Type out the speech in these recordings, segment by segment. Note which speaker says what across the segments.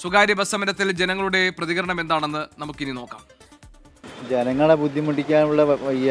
Speaker 1: സ്വകാര്യ ബസ് സമരത്തിൽ ജനങ്ങളുടെ പ്രതികരണം എന്താണെന്ന് നമുക്കിനി നോക്കാം.
Speaker 2: ജനങ്ങളെ ബുദ്ധിമുട്ടിക്കാനുള്ള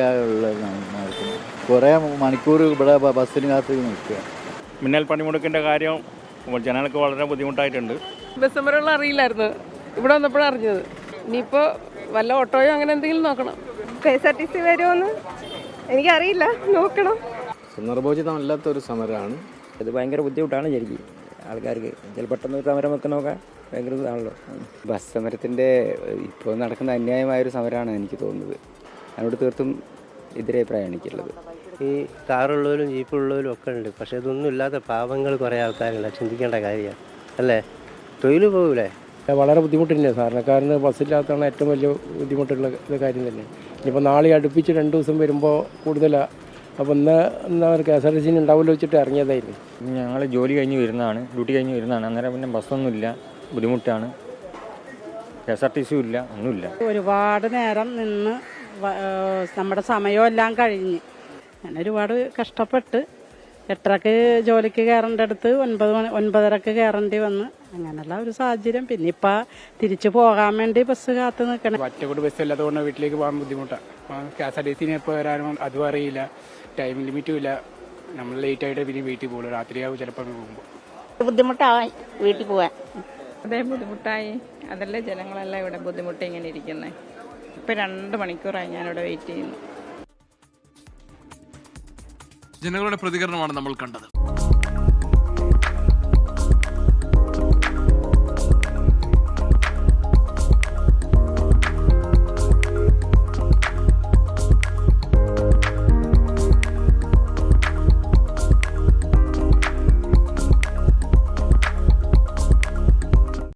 Speaker 2: കുറേ മണിക്കൂർ ഇവിടെ ബസ്സിന് കാത്ത് നിൽക്കുക.
Speaker 3: മിന്നൽ പണിമുടക്കിൻ്റെ കാര്യം ജനങ്ങൾക്ക് വളരെ ബുദ്ധിമുട്ടായിട്ടുണ്ട്.
Speaker 4: ബസ് സമരമുള്ള അറിയില്ലായിരുന്നു, ഇവിടെ വന്നപ്പോഴാണ് അറിഞ്ഞത്. ഇനിയിപ്പോൾ വല്ല ഓട്ടോയോ അങ്ങനെ എന്തെങ്കിലും നോക്കണം.
Speaker 5: KSRTC വരുമോന്ന് എനിക്കറിയില്ല, നോക്കണം.
Speaker 6: സന്ദർഭോചിതമല്ലാത്തൊരു സമരമാണ്
Speaker 7: ഇത്. ഭയങ്കര ബുദ്ധിമുട്ടാണ് ശരിക്കും ആൾക്കാർക്ക്. ചില പെട്ടെന്ന് ഒരു സമരം ഒക്കെ നോക്കാൻ ഭയങ്കര ഇതാണല്ലോ.
Speaker 8: ബസ് സമരത്തിൻ്റെ ഇപ്പോൾ നടക്കുന്ന അന്യായമായൊരു സമരമാണ് എനിക്ക് തോന്നുന്നത്. അതിനോട് തീർത്തും എതിരഭിപ്രായമാണ് എനിക്കുള്ളത്.
Speaker 9: ഈ കാറുള്ളവരും ജീപ്പുള്ളവരും ഒക്കെ ഉണ്ട്, പക്ഷെ ഇതൊന്നും ഇല്ലാത്ത പാവങ്ങൾ കുറേ ആൾക്കാരുണ്ട്. ചിന്തിക്കേണ്ട കാര്യമാണ് അല്ലേ? തൊഴിൽ പോകൂലേ?
Speaker 10: വളരെ ബുദ്ധിമുട്ട് തന്നെയാണ്. സാധാരണക്കാരന് ബസ്സില്ലാത്തതാണ് ഏറ്റവും വലിയ ബുദ്ധിമുട്ടുള്ള കാര്യം തന്നെ. ഇനിയിപ്പോൾ നാളെ അടുപ്പിച്ച് 2 ദിവസം വരുമ്പോൾ കൂടുതലാണ്. അപ്പോൾ എന്താ KSRTC ഉണ്ടാവുമല്ലോ വെച്ചിട്ട് ഇറങ്ങിയതായിരുന്നു.
Speaker 3: ഞങ്ങൾ ജോലി കഴിഞ്ഞ് വരുന്നതാണ്, ഡ്യൂട്ടി കഴിഞ്ഞ് വരുന്നതാണ്. അന്നേരം പിന്നെ ബസ്സൊന്നുമില്ല, ബുദ്ധിമുട്ടാണ്. KSRTC ഇല്ല, ഒന്നുമില്ല.
Speaker 11: ഒരുപാട് നേരം നിന്ന് നമ്മുടെ സമയമെല്ലാം കഴിഞ്ഞ് ഞാൻ ഒരുപാട് കഷ്ടപ്പെട്ട് 8:30 ജോലിക്ക് കയറേണ്ടടുത്ത് 9:30 കയറേണ്ടി വന്ന് അങ്ങനെയുള്ള ഒരു സാഹചര്യം. പിന്നെ ഇപ്പം തിരിച്ചു പോകാൻ വേണ്ടി ബസ് കാത്ത് നിൽക്കണം.
Speaker 10: ഒറ്റക്കൂടി ബസ് ഇല്ലാത്തതുകൊണ്ട് വീട്ടിലേക്ക് പോകാൻ ബുദ്ധിമുട്ടാണ്. KSRTC എപ്പോൾ വരാനും അതും അറിയില്ല, ടൈം ലിമിറ്റും ഇല്ല. നമ്മൾ ലേറ്റായിട്ട് പിന്നെ വീട്ടിൽ പോകുള്ളൂ, രാത്രിയാവും ചിലപ്പോൾ പോകുമ്പോൾ.
Speaker 11: ബുദ്ധിമുട്ടായി വീട്ടിൽ പോകാൻ.
Speaker 4: അതേ ബുദ്ധിമുട്ടായി. അതല്ലേ ജനങ്ങളെല്ലാം ഇവിടെ ബുദ്ധിമുട്ടി ഇങ്ങനെ ഇരിക്കുന്നത്. ഇപ്പം 2 മണിക്കൂറായി ഞാനിവിടെ വെയിറ്റ് ചെയ്യുന്നു.
Speaker 1: ജനങ്ങളുടെ പ്രതികരണമാണ് നമ്മൾ കണ്ടത്.